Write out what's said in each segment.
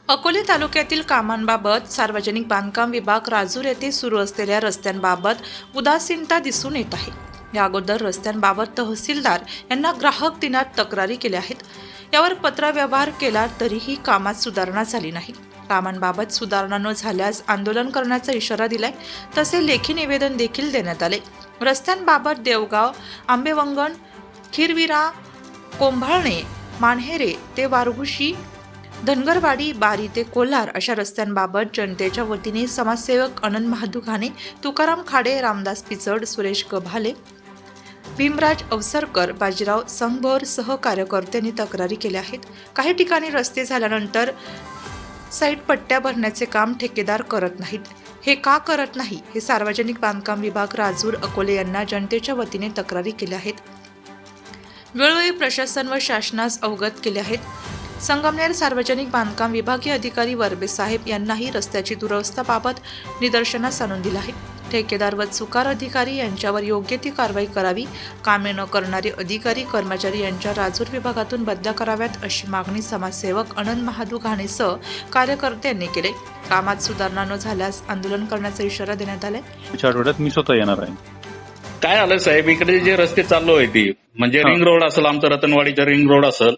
अकोले तालुक्यातील कामांबाबत सार्वजनिक बांधकाम विभाग राजूर येथे सुरू असलेल्या रस्त्यांबाबत उदासीनता दिसून येत आहे. या अगोदर रस्त्यांबाबत तहसीलदार यांना ग्राहक दिनात तक्रारी केल्या आहेत. यावर पत्रव्यवहार केला तरीही कामात सुधारणा झाली नाही. कामांबाबत सुधारणा न झाल्यास आंदोलन करण्याचा इशारा दिलाय. तसे लेखी निवेदन देखील देण्यात आले. रस्त्यांबाबत देवगाव, आंबेवंगण, खिरविरा, कोंभाळणे, मानहेरे ते वारघुशी, धनगरवाडी, बारी ते कोल्हार अशा रस्त्यांबाबत जनतेच्या वतीने समाजसेवक अनंत महादू घाणे, तुकाराम खाडे, रामदास पिचड, सुरेश गभाले, भीमराज अवसरकर, बाजीराव संगभर सह कार्यकर्त्यांनी तक्रारी केल्या आहेत. काही ठिकाणी रस्ते झाल्यानंतर साईड पट्ट्या भरण्याचे काम ठेकेदार करत नाहीत. हे का करत नाही हे सार्वजनिक बांधकाम विभाग राजूर अकोले यांना जनतेच्या वतीने तक्रारी केल्या आहेत. वेळोवेळी प्रशासन व शासनास अवगत केले आहेत. संगमनेर सार्वजनिक बांधकाम विभागीय अधिकारी वर्बे साहेब यांनाही रस्त्याची दुरवस्थेबाबत निदर्शनास आणून दिलं आहे. ठेकेदार व चुकार अधिकारी यांच्यावर योग्य ती कारवाई करावी. कामे न करणारे अधिकारी कर्मचारी यांच्या राजूर विभागातून बदल्या कराव्यात अशी मागणी समाजसेवक अनंत महादू घाणेसह कार्यकर्त्यांनी केले. कामात सुधारणा न झाल्यास आंदोलन करण्याचा इशारा देण्यात आलाय. पुढच्या आठवड्यात मी स्वतः येणार आहे. काय आलं साहेब, इकडे जे रस्ते चालू आहे ती म्हणजे रिंग रोड असेल, आमचं रतनवाडीचा रिंग रोड असेल,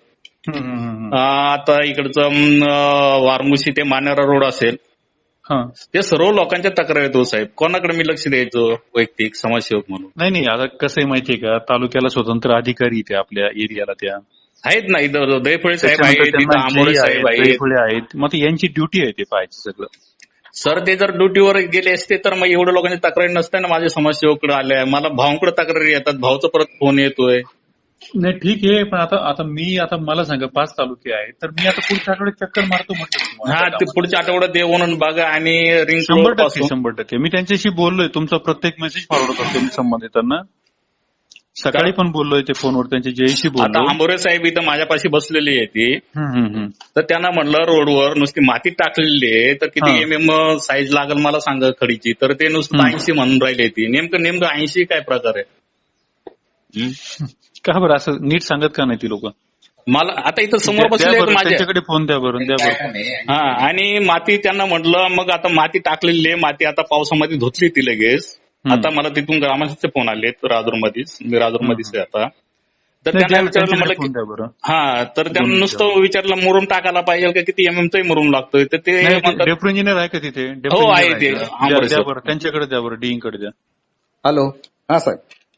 आता इकडचं वारमुशी ते मानेरा रोड असेल, ते सर्व लोकांच्या तक्रार येतो साहेब. कोणाकडे मी लक्ष द्यायचं वैयक्तिक समाजसेवक म्हणून? नाही आता कसं आहे माहितीये का, तालुक्याला स्वतंत्र अधिकारी त्या आपल्या एरियाला त्या आहेत ना. इथं दैफळे साहेब आहेत, आंबोरे साहेब आहेत. मग यांची ड्युटी आहे ते पाहायचं सगळं. सर ते जर ड्युटीवर गेले असते तर मग एवढ्या लोकांची तक्रारी नसते ना. माझ्या समाजसेवकडे आल्या, मला भावांकडे तक्रारी येतात, भाऊचा परत फोन येतोय. नाही ठीक आहे, पण आता मला सांगा 5 तालुके आहेत, तर मी आता पुढच्या आठवड्यात चक्कर मारतो म्हटलं. हा, ते पुढच्या आठवड्यात येऊन बघा. आणि रिंग 100% मी त्यांच्याशी बोललोय. तुमचा प्रत्येक मेसेज फॉरवर्ड करतो मी संबंधितांना. सकाळी पण बोललोय ते फोनवर त्यांच्या जयशी बोललो. आता आंबोरे साहेब इथं माझ्यापाशी बसलेली आहे ती. तर त्यांना म्हणलं रोडवर नुसती माती टाकलेली आहे, तर किती MM साईज लागेल मला सांगा खडीची. तर ते नुसतं 80 म्हणून राहिले. ती नेमकं 80 काय प्रकार आहे? का बरं असं नीट सांगत का नाही ती लोक? मला आता इथं समोर बसले त्यांच्याकडे फोन द्या बरं. हा, आणि माती त्यांना म्हटलं, मग आता माती टाकलेली आहे, माती आता पावसामध्ये धुतली ती लगेच. आता मला तिथून ग्रामस्थांचे फोन आले राजूरमध्येच, मी राजूरमध्येच आहे आता. तर त्यांना विचारलं मला तर त्यांना नुसतं विचारलं मुरुम टाकायला पाहिजे का, किती MM मुरुम लागतोय. तर ते डेप्युटी इंजिनियर आहे का तिथे? हो आहे ते. त्यांच्याकडे द्या बरं, डीईंग कडे द्या. हॅलो, हा साहेब.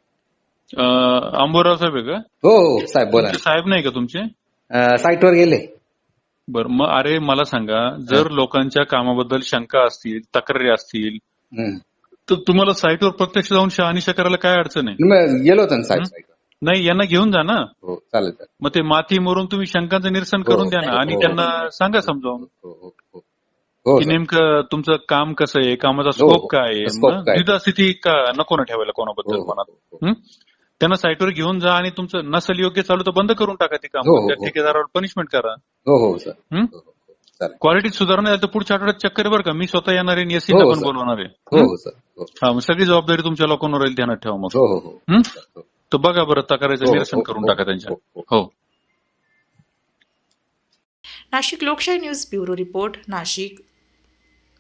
अंबोराव साहेब आहे का? हो साहेब बोला. साहेब नाही का तुमचे? साईटवर गेले. बरं, मग अरे मला सांगा, जर लोकांच्या कामाबद्दल शंका असतील, तक्रारी असतील, तर तुम्हाला साईटवर प्रत्यक्ष जाऊन शहानिशा करायला काय अडचण आहे? गेलो होतो ना साहेब. नाही, यांना घेऊन जा ना. हो चालेल. मग ते माती मोरून तुम्ही शंकांचं निरसन करून द्या ना. आणि त्यांना सांगा समजावून की नेमकं तुमचं काम कसं आहे, कामाचा स्कोप काय आहे. द्विधा स्थिती का नको ना ठेवायला कोणाबद्दल मनात. त्यांना साईटवर घेऊन जा आणि तुमचं नसल योग्य चालू तर बंद करून टाका ते काम. त्या ठेकेदारावर पनिशमेंट करा. हो सर. क्वालिटीत सुधारणा झाली तर पुढच्या आठवड्यात चक्कर बरं का. मी स्वतः येणार आहे, एससी पण बोलवणार आहे. हा, मग सगळी जबाबदारी तुमच्या लोकांवर राहील, ध्यानात ठेवा. मग तर बघा बरं, तक्रारीचं निरसन करून टाका त्यांच्या. हो. नाशिक लोकशाही न्यूज ब्युरो रिपोर्ट, नाशिक.